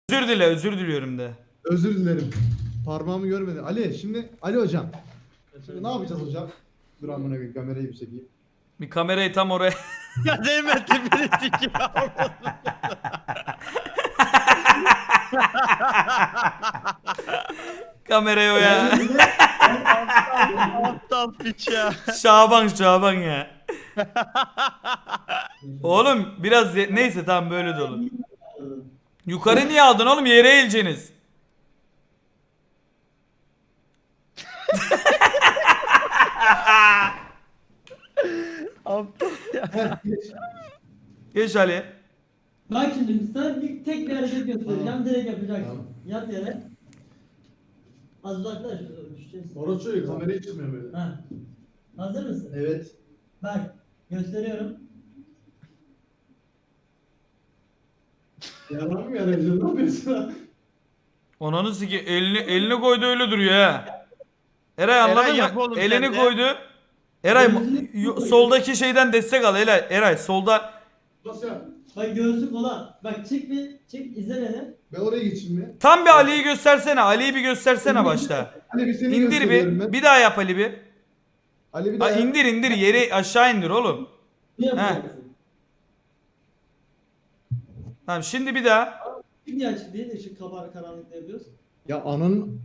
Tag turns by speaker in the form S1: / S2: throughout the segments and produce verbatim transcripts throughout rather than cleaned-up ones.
S1: Özür dile, özür diliyorum de.
S2: Özür dilerim. Parmağımı görmedi. Ali şimdi Ali hocam. Şimdi ne yapacağız hocam? Dur amına koyayım kamerayı bir çekeyim.
S1: Bir kamerayı tam oraya.
S3: Ya değme tipini sikiyor.
S1: Kamerayı o ya.
S3: Aptal piç ya.
S1: Şaban Şaban ya. Oğlum biraz ye- neyse tamam böyle de olur. Yukarı niye aldın oğlum, yere eğileceksiniz.
S3: Aptal ya.
S2: Heh, geç.
S1: Geç Ali.
S4: Bak şimdi sana bir tek bir hareket göstereceğim.
S2: Tamam.
S4: Direkt yapacaksın.
S2: Tamam.
S4: Yat yere. Az uzaklaş. Düşeceğiz.
S2: Orası çocuk kamerayı çıkmıyor böyle.
S4: Ha. Hazır mısın?
S2: Evet.
S4: Bak. Gösteriyorum.
S2: Yalan mı yarayacağım? Ne yapıyorsun lan?
S1: Onanı siki elini elini koydu öyle duruyor ha. Eray anladın
S3: Eray, yap
S1: mı?
S3: oğlum
S1: Elini
S3: sen de.
S1: koydu. Eray
S4: Gözünü-
S1: yo- soldaki şeyden destek al Eray. Eray solda.
S2: Nasıl ya?
S4: Bak göğsü kola. Bak çık bir. Çık izle beni.
S2: Ben oraya geçeyim mi?
S1: Tam bir Ali'yi göstersene. Ali'yi bir göstersene başta.
S2: Ali bir seni
S1: İndir
S2: gösteriyorum
S1: bir.
S2: ben.
S1: Bir daha yap Ali bir.
S2: Ali bir
S1: Ha,
S2: daha.
S1: indir indir yeri aşağı indir oğlum.
S4: Ne yapacaksın?
S1: Tamam şimdi bir daha.
S4: Niye açık değil? Işık kabar karanlıkta yapıyoruz.
S2: Ya ananın.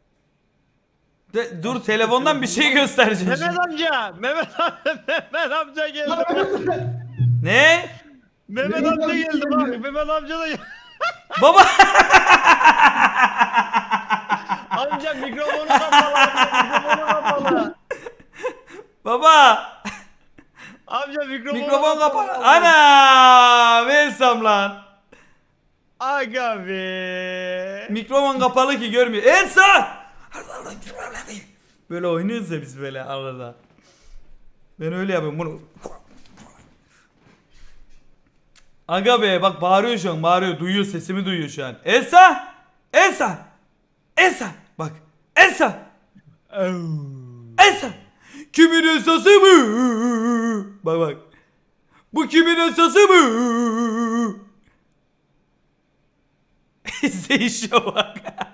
S1: De, dur telefondan bir şey göstereceğim.
S3: Mehmet
S1: şimdi.
S3: amca. Mehmet amca. Mehmet amca geldi.
S1: Ne?
S3: Mehmet
S2: Mehmet
S3: amca
S2: amca
S3: geldi
S2: geldi.
S3: bak. Mehmet amca da geldi.
S1: Baba.
S3: Amca mikrofonu kapalı. Mikrofonu kapalı.
S1: Baba.
S3: Amca mikrofonu
S1: Mikrofon kapalı. Ana! Versem lan.
S3: Aga be.
S1: Mikrofon kapalı ki görmüyor. Elsa! Böyle oynuyoruz ya biz böyle arada. Ben öyle yapıyorum bunu. Aga be bak bağırıyor şu an, bağırıyor, duyuyor, sesimi duyuyor şu an. Elsa! Elsa! Elsa! Bak. Elsa! Elsa! Kimin Elsa'sı mı? Bak bak. Bu kimin Elsa'sı mı? İzleyişe bak.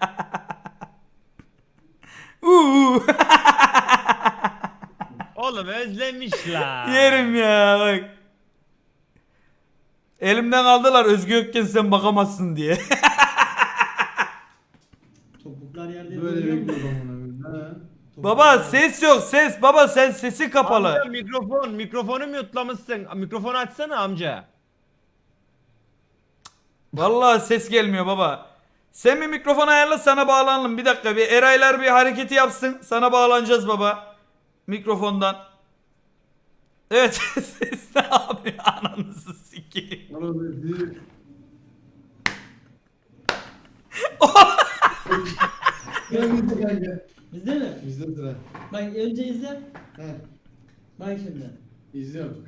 S1: Uuu.
S3: Oğlum özlemişler.
S1: Yerim ya bak. Elimden aldılar Özgü Ökken sen bakamazsın diye.
S4: Topuklar yerde
S2: Böyle
S4: duruyor mu?
S2: bekliyorum amına koyayım. Ha.
S1: Baba ses yok ses. Baba sen sesi kapalı.
S3: Amca mikrofon. Mikrofonu mutlamışsın. Mikrofonu açsana amca.
S1: Vallahi ses gelmiyor baba. Sen bir mikrofon ayarla sana bağlanalım. Bir dakika bir Eraylar bir hareketi yapsın. Sana bağlanacağız baba. Mikrofondan. Evet ses ne yapıyor ananızı sikeyim.
S2: Bana dedi. Ben bitti kanka.
S4: Bizde mi?
S2: İzle sıra.
S4: Bak önce izle.
S2: He.
S4: Bak şimdi.
S2: İzliyorum.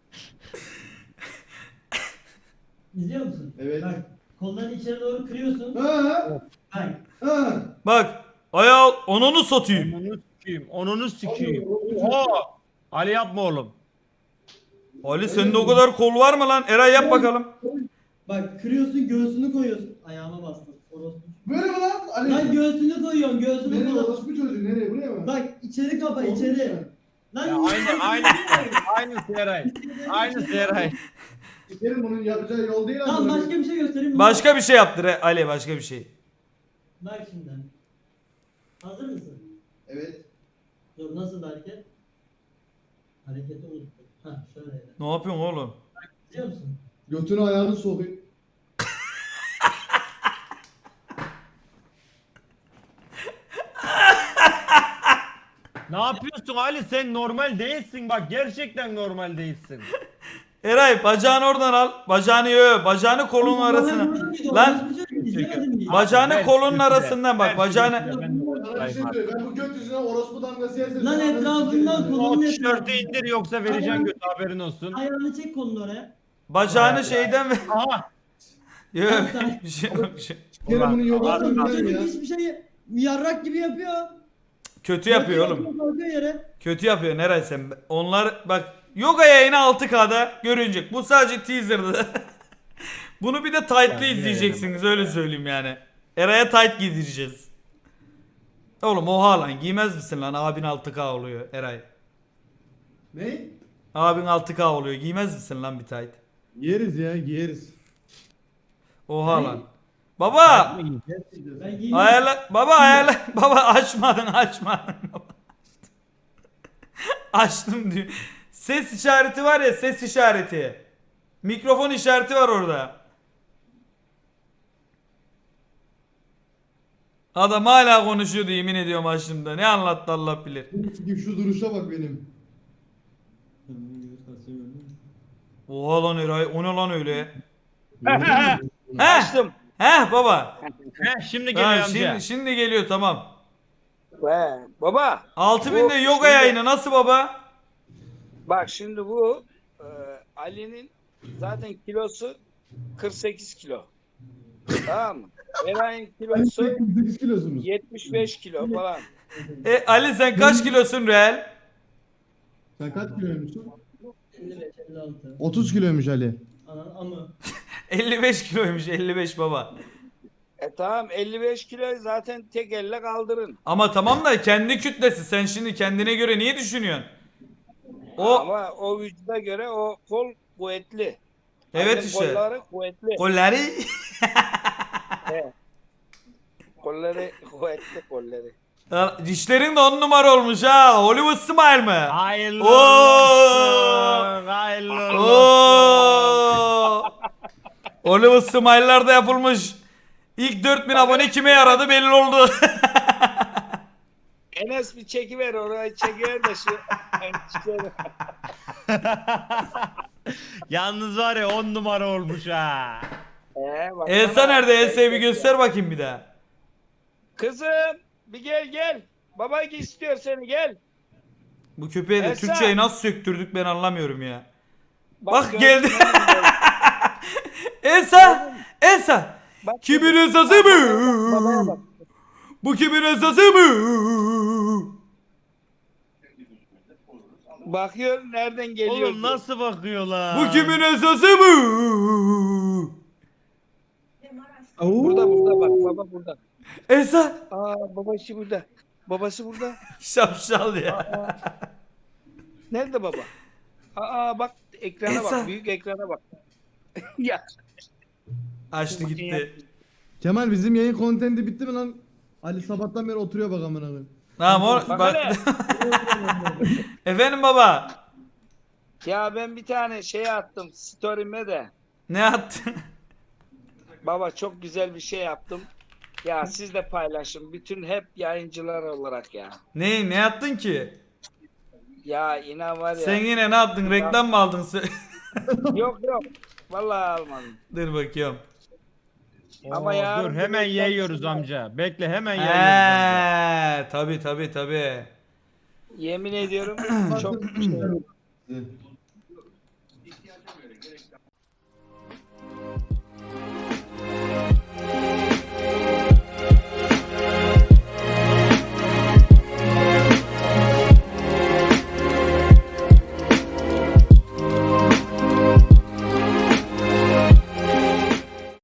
S4: İzliyor musun?
S2: Evet.
S4: Bak kollarını içeri doğru kırıyorsun.
S2: Ha.
S4: Bak.
S2: Ha.
S1: Bak ayağı onunu satayım.
S3: Onunu sikeyim. Onunu sikeyim.
S2: Abi,
S3: Oo. Ali yapma oğlum.
S1: Ali sende o kadar kol var mı lan? Eray yap bakalım.
S4: Bak kırıyorsun göğsünü koyuyorsun. Ayağıma bastın. Orospu.
S2: Böyle mi lan? Ali.
S4: Lan göğsünü koyuyorsun göğsünü
S2: Nereye
S4: koy.
S2: orospu çocuğu nereye buraya mı?
S4: Bak içeri kapa içeri. Lan
S3: Ya aynı aynı aynı Seray. Aynı Seray.
S2: Sikerim bunun yapacağı yol değil
S4: Tamam
S2: amına
S4: başka
S2: koyayım.
S4: bir şey göstereyim mi?
S1: Başka bir şey yaptır he, Ali başka bir şey.
S4: Bak şimdi. Hazır mısın?
S2: Evet.
S4: Dur nasıl hareket? Hareketi unuttum. Hah şöyle.
S1: Ne yapıyorsun oğlum?
S4: Biliyor musun?
S2: Götünü ayağını sokayım.
S3: Ne yapıyorsun Ali? Sen normal değilsin bak. Gerçekten normal değilsin.
S1: Eray bacağını oradan al. Bacağını yo, bacağını kolunun
S4: Bana
S1: arasına.
S4: burada mıydı?
S1: Lan
S4: Orospu çocuğu, izlemedin mi?
S1: bacağını
S3: Ver
S1: kolunun
S3: şimdi,
S1: arasından bak,
S3: ver
S1: bacağını-
S3: şimdi, ben de
S2: Sana bir şey
S3: ortadayım.
S2: söyleyeyim. Ben bu göt yüzüne orospu damgası yersem.
S4: Lan
S2: sana
S4: etrafından
S2: sikerim.
S4: kolu-
S3: O tişörtü indir yoksa vereceğim götü haberin olsun.
S4: Ayağını çek kolunu oraya.
S1: Bacağını şeyden ver.
S3: Aha.
S1: Yok
S4: Sen-
S1: bir şey yok. bir şey.
S2: Sikerim bunun yok
S3: Ulan,
S2: olduğunu
S4: Oğlum bu
S2: bilirim
S4: çocuk
S2: ya.
S4: hiçbir şey yarrak gibi yapıyor.
S1: Kötü yapıyor oğlum.
S4: Kalkıyor yere.
S1: Kötü yapıyor Eray sen. Onlar bak yoga yayını altı K'da görünecek. Bu sadece teaser'dı. Bunu bir de tight'lı
S3: Ben
S1: izleyeceksiniz öyle söyleyeyim yani. Eray'a tight giydireceğiz. Oğlum oha lan giymez misin lan abin altı K oluyor Eray.
S2: Ne?
S1: Abin altı K oluyor giymez misin lan bir tight?
S2: Giyeriz ya giyeriz.
S1: Oha
S4: Ne?
S1: lan. Baba
S4: Ben giyeyim.
S1: ayarla baba ayarla baba açmadın açmadın. Açtım diyor. Ses işareti var ya ses işareti. Mikrofon işareti var orada. Adam hala konuşuyordu yemin ediyorum açtığımda. Ne anlattı Allah bilir.
S2: Şu duruşa bak benim.
S1: Oha lan Eray o ne lan öyle? Heh.
S5: Açtım.
S1: Heh baba.
S3: Heh, şimdi geliyor
S1: Tamam,
S3: amca.
S1: şimdi, şimdi geliyor tamam.
S5: He, baba.
S1: altı
S5: Bu
S1: binde yoga
S5: şimdi-
S1: yayını nasıl baba?
S5: Bak şimdi bu e, Ali'nin zaten kilosu kırk sekiz kilo. Tamam mı? Eray'ın kilosu
S2: sekiz kilosunuz.
S5: yetmiş beş kilo falan.
S1: E Ali sen kaç kilosun real?
S2: Sen kaç kiloymuşsun?
S4: elli beş elli altı.
S2: otuz kiloymuş Ali.
S4: Anan amı.
S1: elli beş kiloymuş elli beş baba.
S5: E tamam elli beş kilo zaten tek elle kaldırın.
S1: Ama tamam da kendi kütlesi sen şimdi kendine göre niye düşünüyorsun? O
S5: Ama o vücuda göre o kol kuvvetli.
S1: evet
S5: Annem
S1: işte.
S5: Kolları kuvvetli.
S1: Kolları
S5: He. Kolları kuvvetli kolları.
S1: Ya, dişlerin de on numara olmuş ha. Hollywood smile mı?
S3: Hayırlı
S1: Oo!
S3: olsun. Hayırlı olsun.
S1: Oo! Hollywood smile'lar da yapılmış. İlk dört bin abone kime yaradı belli oldu.
S5: Enes bir çekiver orayı çekiver de şu.
S3: Yalnız var ya on numara olmuş ha.
S5: Ee, bak
S1: Elsa
S5: bana-
S1: nerede? Elsa'yı bir göster bakayım bir daha.
S5: Kızım bir gel gel. Baba istiyor seni gel.
S1: Bu köpeğe de
S5: Elsa!
S1: Türkçeyi nasıl söktürdük ben anlamıyorum ya. Bak,
S5: gördün
S1: geldi.
S5: mü?
S1: Elsa! Elsa!
S5: Bak,
S1: Kimin
S5: bak,
S1: Elsa'sı
S5: bak, babaya
S1: mı?
S5: bak.
S1: Bu kimin Elsa'sı mı?
S5: Bakıyor nereden geliyor.
S3: Oğlum nasıl bakıyor lan?
S1: Bu kimin Elsa'sı mı?
S5: Burada burada bak baba burada.
S1: Elsa!
S5: Aa babası burada. Babası burada.
S1: Şapşal ya.
S5: Nerede baba? Aa bak ekrana
S1: Elsa.
S5: bak. Büyük ekrana bak. ya.
S1: Açtı gitti.
S2: Kemal bizim yayın kontenti bitti mi lan? Ali sabahtan beri oturuyor bak amına koyayım.
S1: Tamam o
S5: Bak
S1: bak.
S5: hele.
S1: Efendim baba.
S5: Ya ben bir tane şey attım story'me de.
S1: Ne attın?
S5: Baba çok güzel bir şey yaptım. Ya siz de paylaşın. Bütün hep yayıncılar olarak ya.
S1: Ne ne attın ki?
S5: Ya inan var ya.
S1: Sen yine ne yaptın? Reklam mı aldın? sen?
S5: Yok yok. Vallahi almadım.
S1: Dur bakıyorum.
S3: Oo,
S5: Ama yarın
S3: dur
S5: bir
S3: hemen
S5: reklam
S3: yayıyoruz
S5: çıkıyor.
S3: amca. Bekle hemen yayıyoruz amca.
S1: Eee tabi tabi tabi.
S5: Yemin ediyorum çok şey.